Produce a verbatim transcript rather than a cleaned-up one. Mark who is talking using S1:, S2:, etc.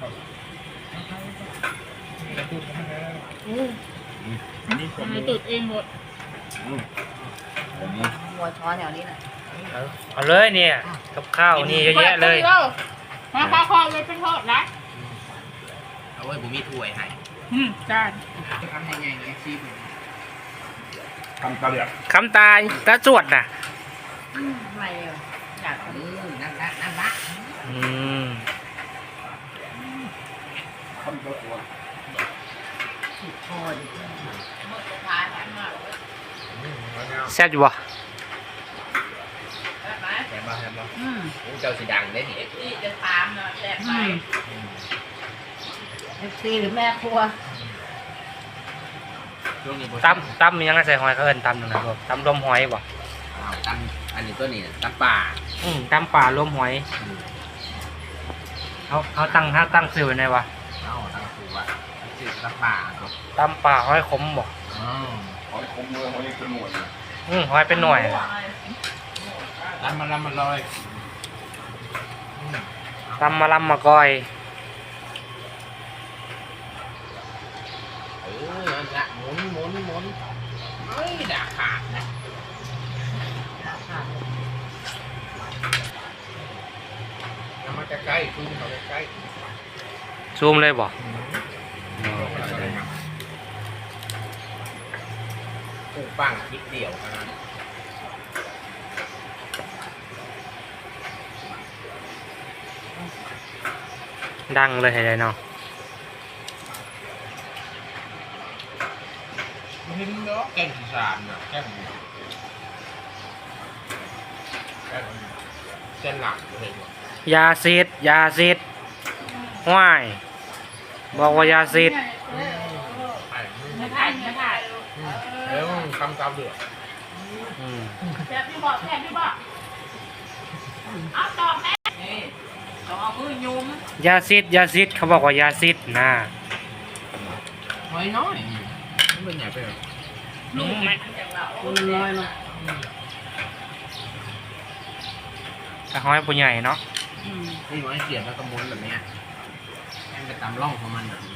S1: นี่ทำไมตุดเองหมด
S2: หัวช้อนแถวนี้นะ
S3: เอาเลยเนี่ยกับข้าวนี่เยอะแยะเลย
S1: มาข้าวคอเลยเป็นทอดนะ
S4: เอาไว้ผมมีถ้วยให้
S1: อืมจาน
S4: จะทำยังไงเนี่ยซีผม
S3: คำตาเดียคำตาตาจวดน่ะ
S2: ไม่อยากอืมนั่นนั่นนั่นละ
S3: อืม
S2: คำตาจวดสุดทอด
S3: แซ่บอยู่บ่
S4: แซ่บบ่แซ่บบ่อืมเจ้าสีดังได้ดิ
S2: นี่จะถามนะแซ่บไหมเอฟซีหรือแม่ครัว
S3: ตำตำยังไงใส่หอยเขาเอิ้นตำหนึ่งนะตำรวมหอยบ่
S4: ตำอันนี้ตัวนี้ตำป่า
S3: อืมตำป่ารวมหอยเขาเขาตั้งเขาตั้งซื้อไว้ไหนวะ
S4: เอาตั้งซื้อว่าซื้อตำป่า
S3: ตำป่าหอยขมบ่
S4: หอยขมเลยหอยเป็นหน่วย
S3: อืมหอยเป็นหน่วย
S4: ตำมาลำมาลอย
S3: ตำมาลำมาก้อย
S4: เออนั่นละหมุนหมุนหมุนเฮ้ยด่าขาดนะน้ำมันจะใกล้ซูมเขาจะใกล้
S3: ซูมเลยบ่
S4: ปูปังคิดเดียวกัน
S3: ดังเลยเห็นไหมเนาะ
S4: เห็นเนาะแกงสารเนาะแกงแกงแกงหลักเลย
S3: ยาซีดยาซีดห้วยบอกว่ายาซีด
S1: ไม่ถ่ายไม่ถ่าย
S4: แล้วคำตามเดือด
S1: แซ่บที่บอกแซ่บที่บอกเอาตอบแม่นี่ต้องเอามือยุ้ม
S3: ยาซีดยาซีดเขาบอกว่ายาซีดนะ
S4: หอยน้อยไม่เป็นใหญ่ไปหรอ
S1: นุ่มไหม
S2: ตัวน้อยมา
S3: แต่หอยปูใหญ่เนาะ
S4: นี่หอยเสียบแล้วก็ม้วนแบบนี้ให้ไปตามร่องของมันแบบนี้